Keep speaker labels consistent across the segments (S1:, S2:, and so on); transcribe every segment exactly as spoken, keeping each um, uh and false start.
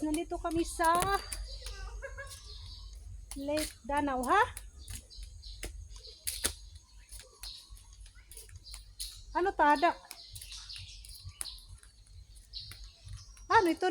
S1: guys, nandito kami sa Lake Danau, ha? Ano tada? Ano ito?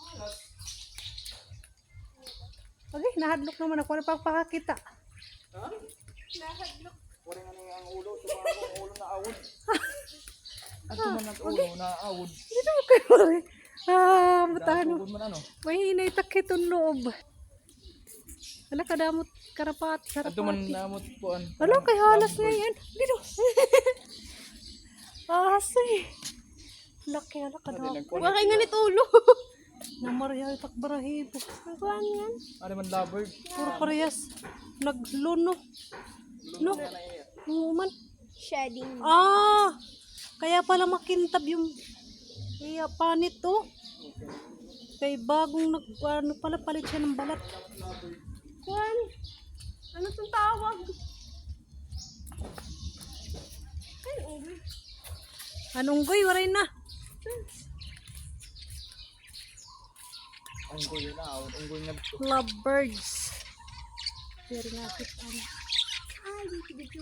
S1: Okay, nahadlok naman ako. Ano pang pakakita?
S2: Ha?
S1: Nahadlok.
S2: Wala nga nga ang ulo. Tumama ang ulo na awod. Ang tuman ang ulo na awod.
S1: Dito mo kayo. Ah, matano.
S2: Dahil man ano.
S1: May inaitak itong loob. Wala kadamot karapat.
S2: Ang tuman namot po.
S1: Wala kay halas ngayon. Dito. Asay. Laki ala kadamot.
S2: Wala
S1: nga nito ulo. Namarya itak barahibo. Kuan yan.
S2: Ano man lovebird.
S1: Puro parehas. Nagluno. No. Numan.
S3: Shedding.
S1: Ah. Kaya pala makintab yung iya panit to. Kay bagong nag ano pala palit siya ng balat.
S3: Kuan. Ano tong tawag? Ay, unggoy.
S1: Anong goy waray na.
S2: Unggoy na awod. Unggoy na ito.
S1: Lovebirds. Very nga kita.
S3: Ay, dito, dito.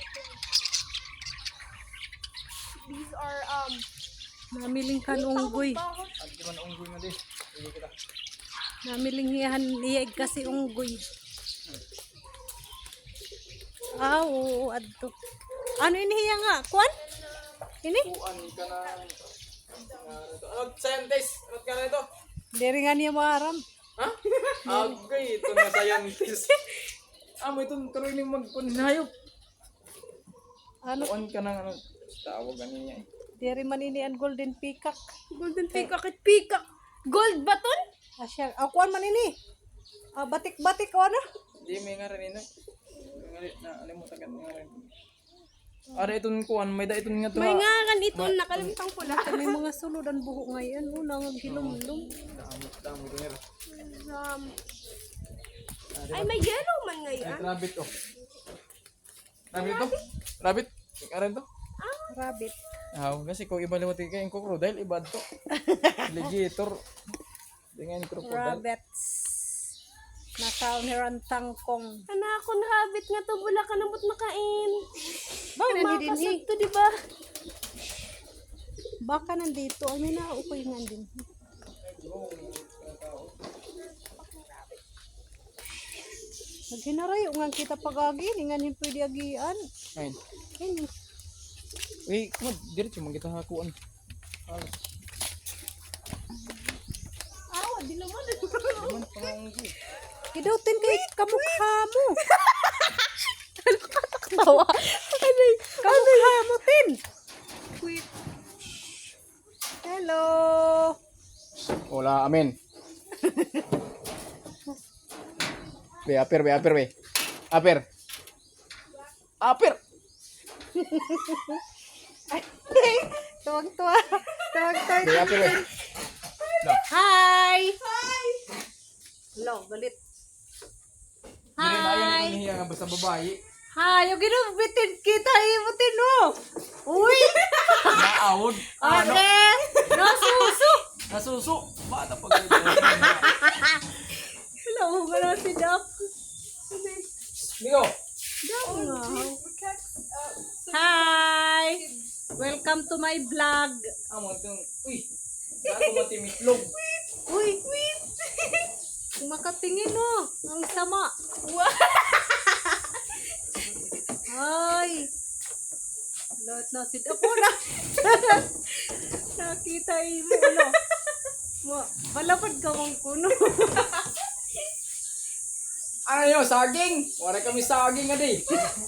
S3: These are, um,
S1: Namiling kan unggoy.
S2: At di man unggoy na din. Hindi kita.
S1: Namiling hiyan iyag kasi unggoy. Ah, oo, adto. Ano inihiya nga? Kuan? Ini?
S2: Tuan ka na. Ano scientist? Ano ka na ito?
S1: Diri nga niya maaram.
S2: Ha? Okay, ito na scientist. Ah, mo itong tuloy ni magpunhayop.
S1: Ano?
S2: Tuan ka na ano. Tawag niya eh.
S1: Diri man ini ang golden peacock.
S3: golden peacock at peacock. Gold baton?
S1: Asya, ah, kuan man ini. Ah, batik-batik o ano?
S2: Hindi, may nga rin ino. May nga na alimutan ka nga rin. Ara itong kuan, may da itong nga to.
S3: May nga kan ito, nakalimutan ko lang.
S1: May mga sulod ang buhok ngayon. Oh, nangagilom-lom.
S2: Damot, damot ito nga.
S3: Um, ay, may yellow man
S2: Ay,
S3: ngayon.
S2: rabbit oh. Rabbit to? Rabbit? Ikaran to?
S1: Rabbit.
S2: Ah, kasi kung iba liwat kayo yung crocodile, iba to. Alligator. Dengan crocodile.
S1: Rabbits. Nakauniran tangkong.
S3: Anak ko, rabbit nga to, bula ka namot makain.
S1: Bakit nandito
S3: Makasag
S1: ni?
S3: to, di ba?
S1: Baka nandito. Ay, may naukoy nga din. Naghinarayo nga kita pag-agi. Nga ni pwede agian.
S2: Ayun.
S1: Ayun.
S2: Uy, kumad, diretso man kita hakuan. Alas.
S3: Awa, di naman.
S2: Naman panganggi.
S1: Kidutin kay kamukha mo.
S3: Tawa.
S1: Kamukha mo, Tin.
S3: Wait.
S1: Hello.
S2: Hola, amen. Be, aper, be, aper, be. Aper. Aper.
S1: Tuwag-tuwa. Tuwag-tuwa.
S2: Be, aper, be. No.
S1: Hi. Hi. Hello, galit.
S2: Hindi na yan
S1: Hi.
S2: ito niya nga basta babae.
S1: Hi, yung ginubitin kita, imutin mo. Uy.
S2: Naawod. Ano?
S1: Ate. Nasuso.
S2: Nasuso. Bata pa ganito.
S1: Hello, wala si Doc.
S2: Migo.
S1: Hi. Welcome to my vlog.
S2: Amo itong, uy. Bago matimitlog.
S1: Uy, wait. Kung makatingin mo, ang sama. Ay. Lahat na si Doc. Wala. Nakita mo, ano. Ma- Balapad ka mong kuno.
S2: Ano yun, saging? Wala kami saging nga di.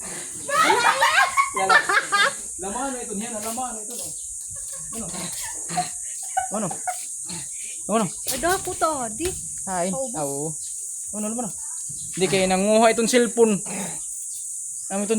S2: Yan lang. Laman na ito niyan, laman na ito. No. Ano? Ano? Ano?
S1: Ada ako to, di.
S2: Ay, oo. Ano naman? Hindi kayo nanguha itong cellphone. Ano ito?